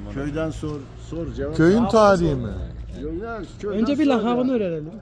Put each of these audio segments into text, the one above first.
Köyden sor cevap. Köyün tarihi mi? Yok ya, köyden Önce bir sor lakabını ya. öğrenelim.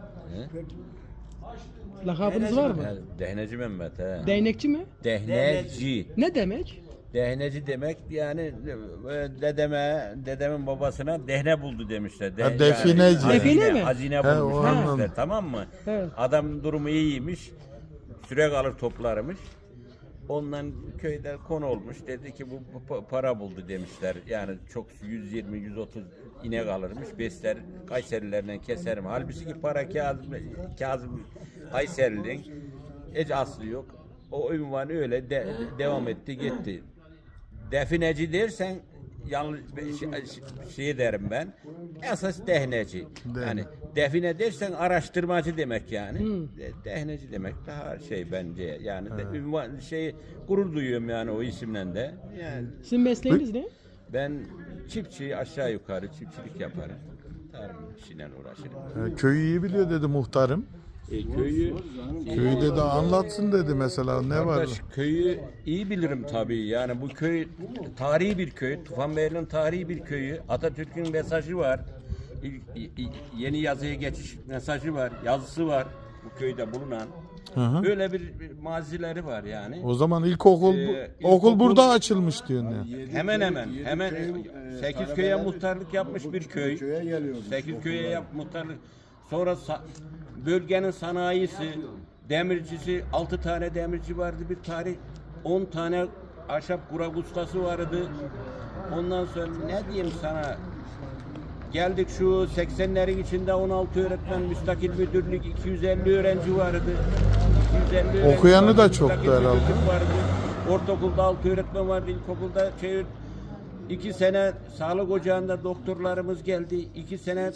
Lakabınız var mı? Dehneci Mehmet he. Değnekçi mi? Dehneci. Ne demek? Dehneci demek yani dedemin babasına dehne buldu demişler. Ha, defineci. Yani, Define mi? Hazine He, bulmuş o demişler, anladım. tamam mı? Evet. Adam durumu iyiymiş. Süre kalır toplarmış. Ondan köyde konu olmuş. Dedi ki bu para buldu demişler. Yani çok 120-130 inek alırmış. Besler Kayserilerden keserim. Halbuki para Kazım Kayseri'nin hiç aslı yok. O ünvan öyle devam etti gitti. Defineci dersen yanlış şey derim ben. Esas dehneci. Yani define dersen araştırmacı demek yani. Dehneci demek daha şey bence yani ünvan gurur duyuyorum yani o isimle de. Yani Sizin mesleğiniz ne? ben çiftçi aşağı yukarı çiftçilik yaparım. Tarım işiyle uğraşırım. Köyü iyi biliyor dedi muhtarım. Köyü Köyü dedi anlatsın dedi mesela ne var? Kardeş, köyü iyi bilirim tabii. Yani bu köy tarihi bir köy. Tufanbeyli'nin tarihi bir köyü. Atatürk'ün mesajı var. Yeni yazıya geçiş mesajı var. Yazısı var bu köyde bulunan. Hı. Böyle bir mazileri var yani. O zaman ilkokul okul burada açılmış diyorsun ya. Hemen 8 köye muhtarlık yapmış bir köy. Köye geliyoruz. 8 köye muhtarlık. Sonra bölgenin sanayisi, demircisi, 6 tane demirci vardı bir tarih. 10 tane ahşap kurak ustası vardı. Ondan sonra ne diyeyim sana? Geldik şu 80'lerin içinde 16 öğretmen, müstakil müdürlük, 250 öğrenci vardı. 250 öğrenci Okuyanı vardı, da çoktu müstakil herhalde. müdürlük vardı. Ortaokulda 6 öğretmen vardı, ilkokulda 2 sene sağlık ocağında doktorlarımız geldi. 2 sene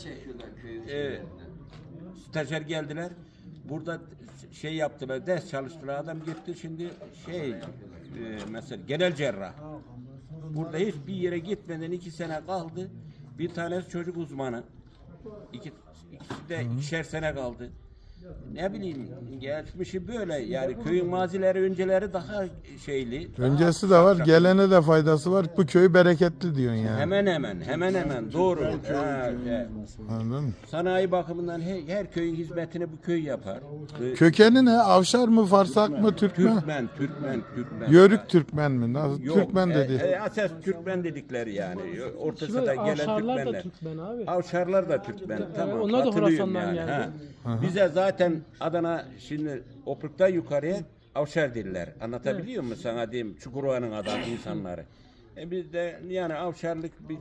stajyer geldiler. Burada şey yaptılar, ders çalıştılar. Adam gitti şimdi mesela genel cerrah. Burada hiçbir yere gitmeden 2 sene kaldı. Bir tanesi çocuk uzmanı. İkisi de 2'şer sene kaldı. Ne bileyim geçmişi böyle yani köyün mazileri önceleri daha şeyli. Öncesi de var, gelene de faydası var. Bu köy bereketli diyorsun yani. Hemen doğru. Anladın mı? Sanayi bakımından her köyün hizmetini bu köy yapar. Kökeni ne? Avşar mı, Farsak mı, Türk mü? Türkmen. Yörük Türkmen mi? Nasıl? Yok, Türkmen dedi. Esas Türkmen dedikleri yani. Orta Şimdi Sıra gelen Avşarlar da Türkmenler. Türkmen abi. Avşarlar da Türkmen. Tamam. onlar da katılıyorum Horasan'dan yani. geldi. Bize zaten Adana şimdi Opruk'tan yukarıya Avşar diller. Anlatabiliyor muyum sana diyeyim? Çukurova'nın adam insanları. Biz de yani Avşarlık bir